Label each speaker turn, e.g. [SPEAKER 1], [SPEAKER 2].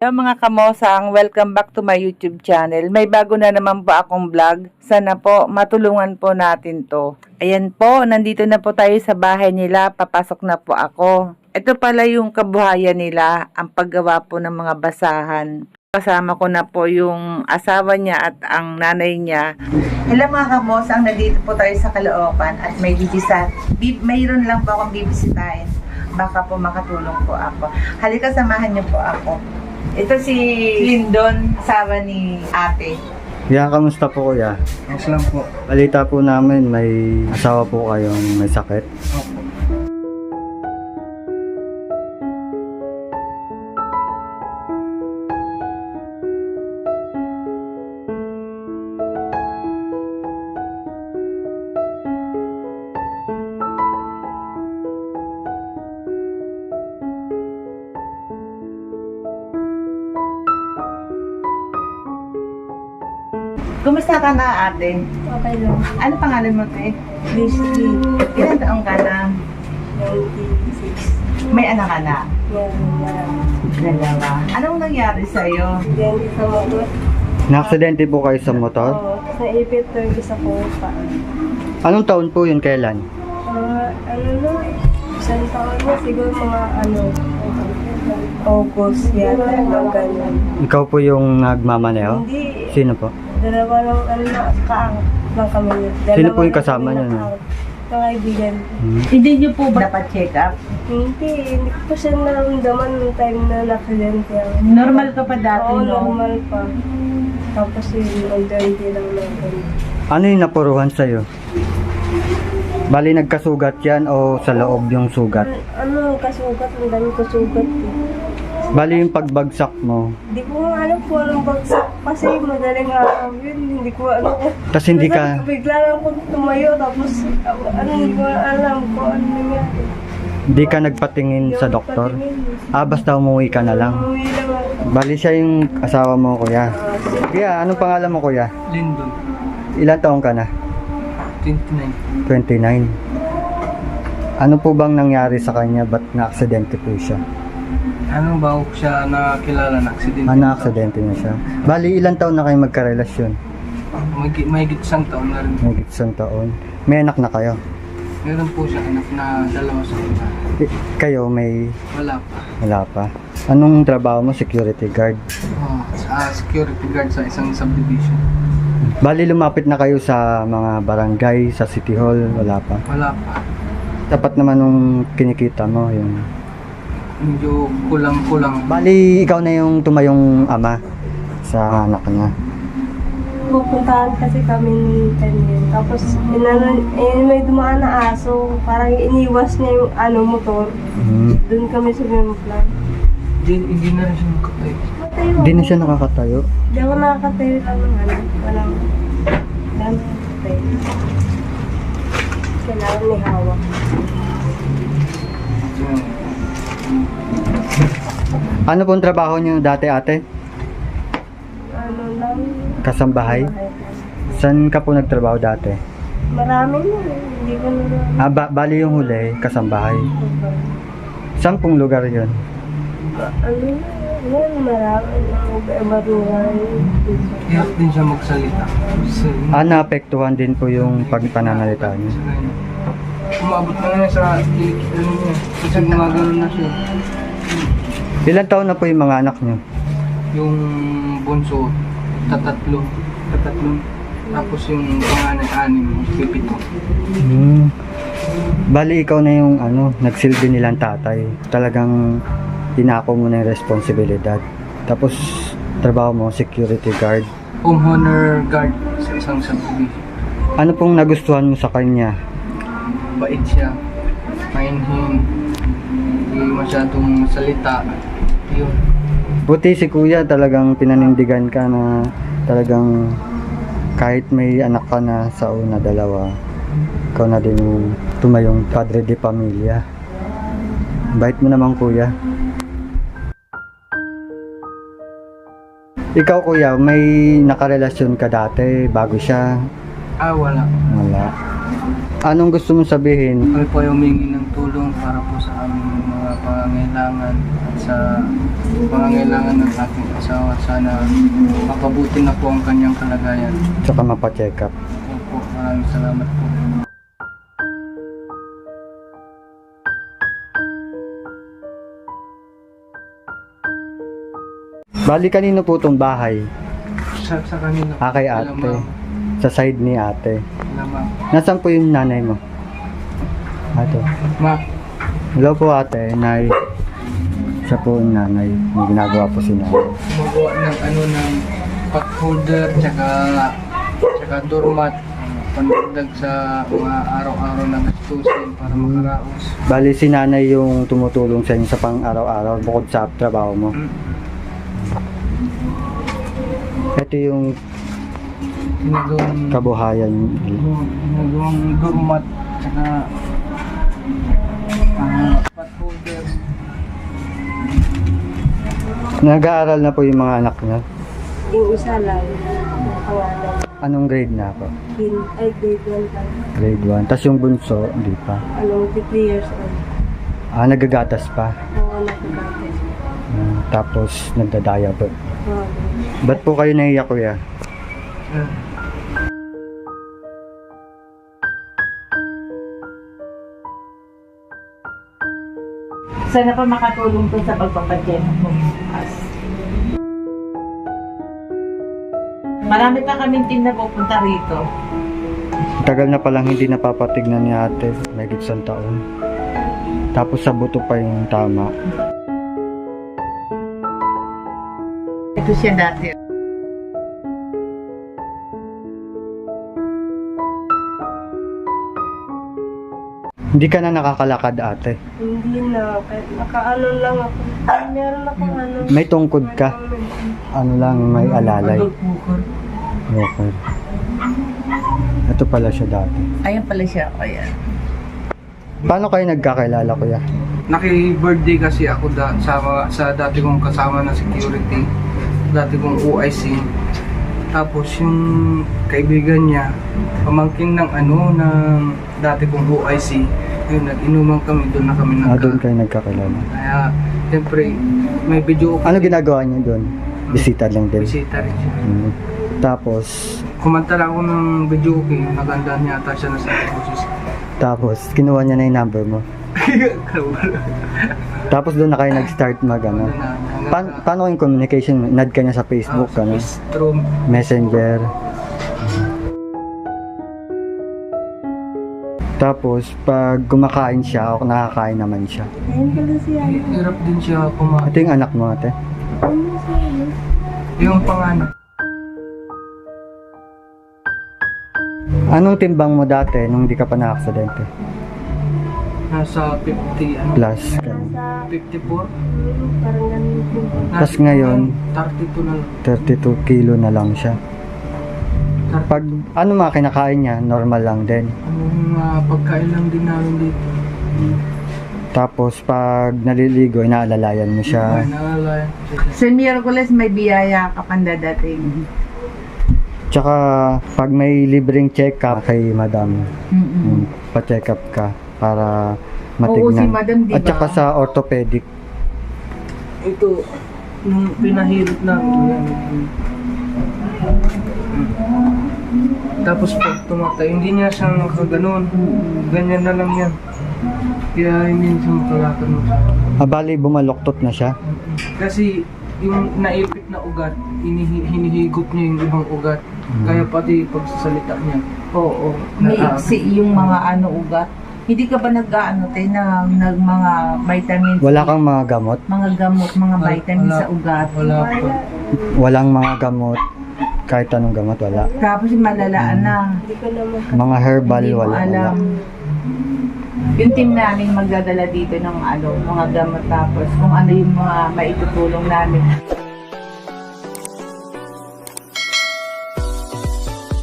[SPEAKER 1] Hello mga kamosang, welcome back to my YouTube channel. May bago na naman po akong vlog. Sana po matulungan po natin to. Ayan po, nandito na po tayo sa bahay nila. Papasok na po ako. Ito pala yung kabuhayan nila, ang paggawa po ng mga basahan. Kasama ko na po yung asawa niya at ang nanay niya. Hello mga kamosang, nandito po tayo sa Caloocan at may mayroon lang po akong bibisitahin. Baka po makatulong po ako. Halika, samahan niyo po ako. Ito si Lindon, asawa ni ate.
[SPEAKER 2] Kuya, kamusta po kuya?
[SPEAKER 3] Yes lang po.
[SPEAKER 2] Balita po namin may asawa po kayong may sakit.
[SPEAKER 3] Opo.
[SPEAKER 1] Kumusta ka na ate?
[SPEAKER 4] Okay lang.
[SPEAKER 1] Ano pangalan mo te?
[SPEAKER 4] Basically,
[SPEAKER 1] Ilan taong ka na?
[SPEAKER 4] 96.
[SPEAKER 1] May anak ka na?
[SPEAKER 4] Yan.
[SPEAKER 1] Dalawa. Anong nangyari sa'yo?
[SPEAKER 4] Yan, sa motor.
[SPEAKER 2] Naaksidente po kayo sa motor?
[SPEAKER 4] Oo, sa ipit turkey sa kupa.
[SPEAKER 2] Anong taon po yun, kailan?
[SPEAKER 4] Ano na, isang taon na siguro mga August yata, mga ganyan.
[SPEAKER 2] Ikaw po yung nagmamaneho?
[SPEAKER 4] Hindi,
[SPEAKER 2] Sino po?
[SPEAKER 4] dalawa lang, kaang lang kami.
[SPEAKER 2] Sino po yung kasama niyo, no?
[SPEAKER 4] Kaibigan.
[SPEAKER 1] Hindi niyo po ba dapat check up?
[SPEAKER 4] Hindi ko pa siya naramdaman nung time na na-accident yan.
[SPEAKER 1] Normal ka pa dati,
[SPEAKER 4] Oo,
[SPEAKER 1] no?
[SPEAKER 4] normal pa. Tapos yung unti lang natin.
[SPEAKER 2] Ano yung napuruhan sa'yo? Bali nagkasugat yan o sa loob yung sugat?
[SPEAKER 4] Ano, kasugat, ang dami ko sugat.
[SPEAKER 2] Bali yung pagbagsak mo,
[SPEAKER 4] Hindi ko nga alam kung anong bagsak kasi madaling araw yun. Hindi ko alam kung...
[SPEAKER 2] tas hindi
[SPEAKER 4] Basta
[SPEAKER 2] ka,
[SPEAKER 4] bigla lang ko tumayo tapos hindi ko alam kung ano nangyari.
[SPEAKER 2] hindi ka nagpatingin sa doktor? Basta umuwi ka na lang.
[SPEAKER 4] Umuwi lang ako.
[SPEAKER 2] Bali siya yung asawa mo, kuya. Kuya, anong pangalan mo, kuya?
[SPEAKER 3] Lindon.
[SPEAKER 2] Ilan taong ka na?
[SPEAKER 3] 29.
[SPEAKER 2] 29. Ano po bang nangyari sa kanya? Ba't na-aksidente po siya?
[SPEAKER 3] Ano ba siya nakilala na aksidente?
[SPEAKER 2] Na-aksidente na siya. Bali, ilang taon na kayo magkarelasyon?
[SPEAKER 3] May isang taon na rin.
[SPEAKER 2] May isang taon. May anak na kayo?
[SPEAKER 3] Meron po siya anak na dalawa sa iba.
[SPEAKER 2] Kayo may
[SPEAKER 3] Wala pa.
[SPEAKER 2] wala pa. Anong trabaho mo? Security guard.
[SPEAKER 3] Security guard sa isang subdivision.
[SPEAKER 2] Bali, lumapit na kayo sa mga barangay, sa City Hall, wala pa.
[SPEAKER 3] Wala pa.
[SPEAKER 2] Dapat naman nung kinikita mo, yung...
[SPEAKER 3] Medyo kulang-kulang.
[SPEAKER 2] Bali, ikaw na yung tumayong ama sa anak niya.
[SPEAKER 4] Pupuntahan kasi kami ni Daniel. Tapos may dumaan na aso. Parang iniwas niya yung motor. Doon kami sa plan.
[SPEAKER 3] Hindi na rin siya nakatayo.
[SPEAKER 2] Hindi na siya nakakatayo.
[SPEAKER 4] Hindi ako nakakatayo lang ng walang nakakatayo. Kailangan ni hawak.
[SPEAKER 2] Ano pong trabaho niyo dati, ate?
[SPEAKER 4] Ano lang.
[SPEAKER 2] Kasambahay? Saan ka po nagtrabaho dati?
[SPEAKER 4] Marami na. Hindi ko na.
[SPEAKER 2] Bali yung huli, kasambahay. Saan pong lugar yun?
[SPEAKER 4] Ano yan, marami. Barangay.
[SPEAKER 3] Hirap din siya magsalita.
[SPEAKER 2] Naapektuhan din po yung pagpananalita niya.
[SPEAKER 3] Umabot na nga sa ano niya. Kasi gumagano na siya.
[SPEAKER 2] Ilan taon na po yung mga anak niyo?
[SPEAKER 3] Yung bunso, tatatlo. Tapos yung panganay-anim, 7.
[SPEAKER 2] Bali, ikaw na yung nagsilbi nilang tatay. Talagang tinako mo na yung responsibilidad. Tapos, trabaho mo, security guard.
[SPEAKER 3] Homeowner guard sa isang subdivision.
[SPEAKER 2] Ano pong nagustuhan mo sa kanya?
[SPEAKER 3] Bait siya, mainhin, hindi masyadong salita. Yun.
[SPEAKER 2] Buti si kuya talagang pinanindigan ka na talagang kahit may anak ka na sa una, dalawa, ikaw na din yung tumayong padre de pamilya. Bait mo naman, kuya. Ikaw, kuya, may nakarelasyon ka dati bago siya?
[SPEAKER 3] Wala.
[SPEAKER 2] Wala. Anong gusto mong sabihin?
[SPEAKER 3] Kami po ay humingi ng tulong para po sa aming mga pangangailangan at sa pangangailangan ng aking asawa. Sana makabuti na po ang kanyang kalagayan.
[SPEAKER 2] Tsaka mapacheck up.
[SPEAKER 3] Opo, maraming salamat po.
[SPEAKER 2] Bali, kanino po itong bahay?
[SPEAKER 3] Sa kanila.
[SPEAKER 2] Kay ate. Sa side ni ate.
[SPEAKER 3] Lamang.
[SPEAKER 2] Nasaan po yung nanay mo? Ate.
[SPEAKER 3] Ma,
[SPEAKER 2] Hello po ate, nay. Siya po yung nanay. May ginagawa po si nanay.
[SPEAKER 3] gumagawa ng ng pot holder, tsaka doormat. Pandagdag sa mga araw-araw na gastusin para makaraos.
[SPEAKER 2] Bali, si nanay yung tumutulong sa inyo sa pang araw-araw bukod sa trabaho mo. Ito yung
[SPEAKER 3] Ginagawang
[SPEAKER 2] kabuhayan.
[SPEAKER 3] doormat, tsaka pot holder.
[SPEAKER 2] Nag-aaral na po yung mga anak niya.
[SPEAKER 4] Yung isa lang, pangalan.
[SPEAKER 2] Anong grade na po?
[SPEAKER 4] Grade 1 lang.
[SPEAKER 2] Grade 1. Tapos yung bunso, hindi pa.
[SPEAKER 4] 3 years old.
[SPEAKER 2] Nagagatas pa.
[SPEAKER 4] Oo, nakagatas.
[SPEAKER 2] Tapos nagdadaya po.
[SPEAKER 4] Oo.
[SPEAKER 2] Ba't po kayo naiyak, kuya?
[SPEAKER 1] Sana pa makatulong to sa pagpapadyan mo. Marami pa kaming team na pupunta rito.
[SPEAKER 2] Tagal na palang hindi napapatignan ni ate. May isang taon. Tapos sa buto pa yung tama.
[SPEAKER 1] Ito siya dati.
[SPEAKER 2] Hindi ka na nakakalakad ate.
[SPEAKER 4] Hindi na. Kahit nakaano lang ako. Meron akong ano.
[SPEAKER 2] May tungkod ka. Ano lang, may alalay. Okay. Ito pala siya dati.
[SPEAKER 1] Ayan pala siya. Ayan.
[SPEAKER 2] Paano kayo nagkakilala, kuya?
[SPEAKER 3] Naki-birthday kasi ako sa dati kong kasama na security, dati kong OIC. Tapos yung kaibigan niya, pamangkin ng ng dati kong OIC, yun, nag-inuman kami, doon na kami
[SPEAKER 2] Doon kayo nagkakilala.
[SPEAKER 3] Kaya, siyempre, may video
[SPEAKER 2] Ano ginagawa niyo doon? Bisita lang din.
[SPEAKER 3] bisita rin siya.
[SPEAKER 2] Tapos,
[SPEAKER 3] Kumanta lang ako ng video okay, naganda niya ata siya na sa boses.
[SPEAKER 2] tapos, kinuha niya na yung number mo. Tapos doon na kayo nag-start paano yung communication? Nad ka niya sa Facebook, ano?
[SPEAKER 3] Through
[SPEAKER 2] Messenger. Tapos, pag kumakain siya o nakakain naman siya.
[SPEAKER 4] Ayun pala siya.
[SPEAKER 3] hirap din siya kumain.
[SPEAKER 2] Ito yung anak mo, ate.
[SPEAKER 4] Ano siya?
[SPEAKER 3] Yung panganak.
[SPEAKER 2] Anong timbang mo dati nung di ka pa na-aksidente?
[SPEAKER 3] Nasa 50,
[SPEAKER 2] Plus.
[SPEAKER 4] Nasa
[SPEAKER 3] 54.
[SPEAKER 4] parang ganun din.
[SPEAKER 2] Tas ngayon,
[SPEAKER 3] 32 na lang.
[SPEAKER 2] 32 kilo na lang siya. Pag ano mga kinakain niya, normal lang din.
[SPEAKER 3] Pagkain lang din namin dito.
[SPEAKER 2] Tapos pag naliligo, inaalalayan mo siya.
[SPEAKER 3] Naalala.
[SPEAKER 1] Sa Miyerkules may biyaya ka pang dadating.
[SPEAKER 2] Tsaka pag may libreng check-up kay madam, pa-check up ka para matignan.
[SPEAKER 1] Oo, si madam, di
[SPEAKER 2] At
[SPEAKER 1] ba?
[SPEAKER 2] saka sa orthopedic.
[SPEAKER 3] Ito, nung pinahirap namin. Tapos pag tumatay, hindi niya siya nakaganon. Ganyan na lang yan. Kaya hindi siya makalakad mo siya.
[SPEAKER 2] Bali, bumaloktot na siya.
[SPEAKER 3] Kasi yung naipit na ugat, hinihigop niya yung ibang ugat. Kaya pati pagsasalita niya.
[SPEAKER 1] Oo. May iksi yung mga ugat. Hindi ka ba nag-ano tayo nag mga vitamins?
[SPEAKER 2] Wala kang mga gamot?
[SPEAKER 1] Mga gamot, mga vitamins sa ugat.
[SPEAKER 3] Wala po.
[SPEAKER 2] Walang mga gamot? Kahit anong gamot, wala.
[SPEAKER 1] Tapos malalaan na.
[SPEAKER 4] Hindi ko naman.
[SPEAKER 2] Mga herbal,
[SPEAKER 1] Hindi mo
[SPEAKER 2] wala.
[SPEAKER 1] alam. Yung team namin magdadala dito ng mga gamot tapos kung ano yung mga maitutulong namin.